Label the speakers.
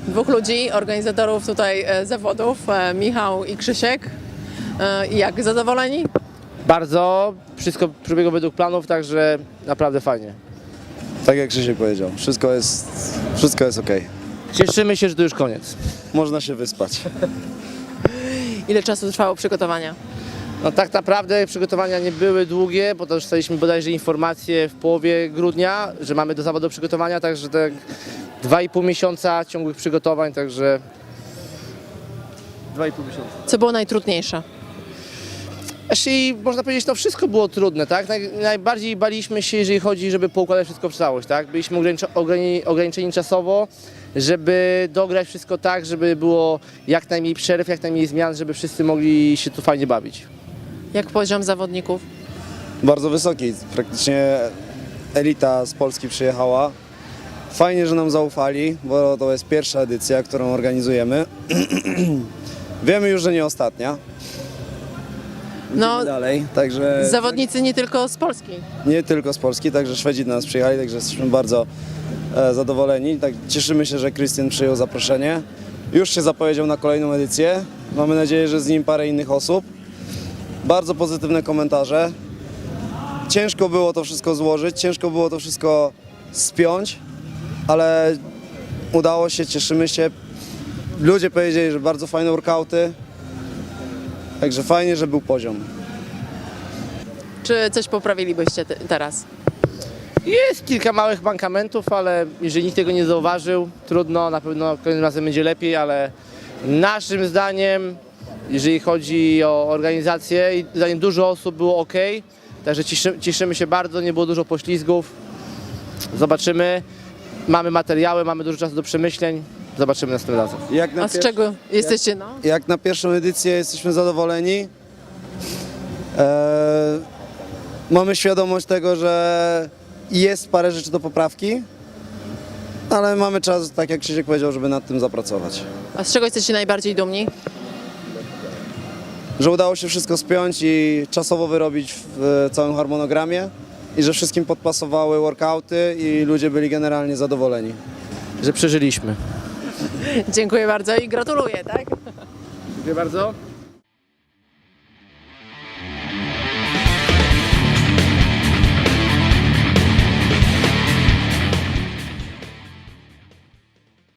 Speaker 1: Dwóch ludzi, organizatorów tutaj zawodów, Michał i Krzysiek. Jak, zadowoleni?
Speaker 2: Bardzo, wszystko przebiegło według planów, także naprawdę fajnie.
Speaker 3: Tak jak Krzysiek powiedział, wszystko jest ok.
Speaker 2: Cieszymy się, że to już koniec.
Speaker 3: Można się wyspać.
Speaker 1: Ile czasu trwało przygotowania?
Speaker 2: No tak naprawdę przygotowania nie były długie, bo to dostaliśmy bodajże informację w połowie grudnia, że mamy do zawodu przygotowania, także tak 2,5 miesiąca ciągłych przygotowań, także 2,5 miesiąca.
Speaker 1: Co było najtrudniejsze?
Speaker 2: Jeśli można powiedzieć, to wszystko było trudne, tak? Najbardziej baliśmy się, jeżeli chodzi, żeby poukładać wszystko w całość, tak? Byliśmy ograniczeni czasowo, żeby dograć wszystko tak, żeby było jak najmniej przerw, jak najmniej zmian, żeby wszyscy mogli się tu fajnie bawić.
Speaker 1: Jak poziom zawodników?
Speaker 3: Bardzo wysoki, praktycznie elita z Polski przyjechała. Fajnie, że nam zaufali, bo to jest pierwsza edycja, którą organizujemy. Wiemy już, że nie ostatnia.
Speaker 1: No,
Speaker 3: Idziemy dalej, także
Speaker 1: zawodnicy nie tylko z Polski.
Speaker 3: nie tylko z Polski, także Szwedzi do nas przyjechali, także jesteśmy bardzo zadowoleni. Tak, cieszymy się, że Krystian przyjął zaproszenie. Już się zapowiedział na kolejną edycję. Mamy nadzieję, że z nim parę innych osób. Bardzo pozytywne komentarze. Ciężko było to wszystko złożyć, ciężko było to wszystko spiąć, ale udało się, cieszymy się. Ludzie powiedzieli, że bardzo fajne workouty, także fajnie, że był poziom.
Speaker 1: Czy coś poprawilibyście teraz?
Speaker 2: Jest kilka małych mankamentów, ale jeżeli nikt tego nie zauważył, trudno, na pewno kolejnym razem będzie lepiej, ale naszym zdaniem, jeżeli chodzi o organizację, zdaniem dużo osób było ok, także cieszymy się bardzo, nie było dużo poślizgów. Zobaczymy, mamy materiały, mamy dużo czasu do przemyśleń, zobaczymy następnym razem.
Speaker 1: A z czego jesteście, no?
Speaker 3: Jak na pierwszą edycję jesteśmy zadowoleni. Mamy świadomość tego, że jest parę rzeczy do poprawki, ale mamy czas, tak jak Krzysiek powiedział, żeby nad tym zapracować.
Speaker 1: A z czego jesteście najbardziej dumni?
Speaker 3: Że udało się wszystko spiąć i czasowo wyrobić w całym harmonogramie i że wszystkim podpasowały workouty i ludzie byli generalnie zadowoleni.
Speaker 2: Że przeżyliśmy.
Speaker 1: Dziękuję bardzo i gratuluję, tak?
Speaker 2: Dziękuję bardzo.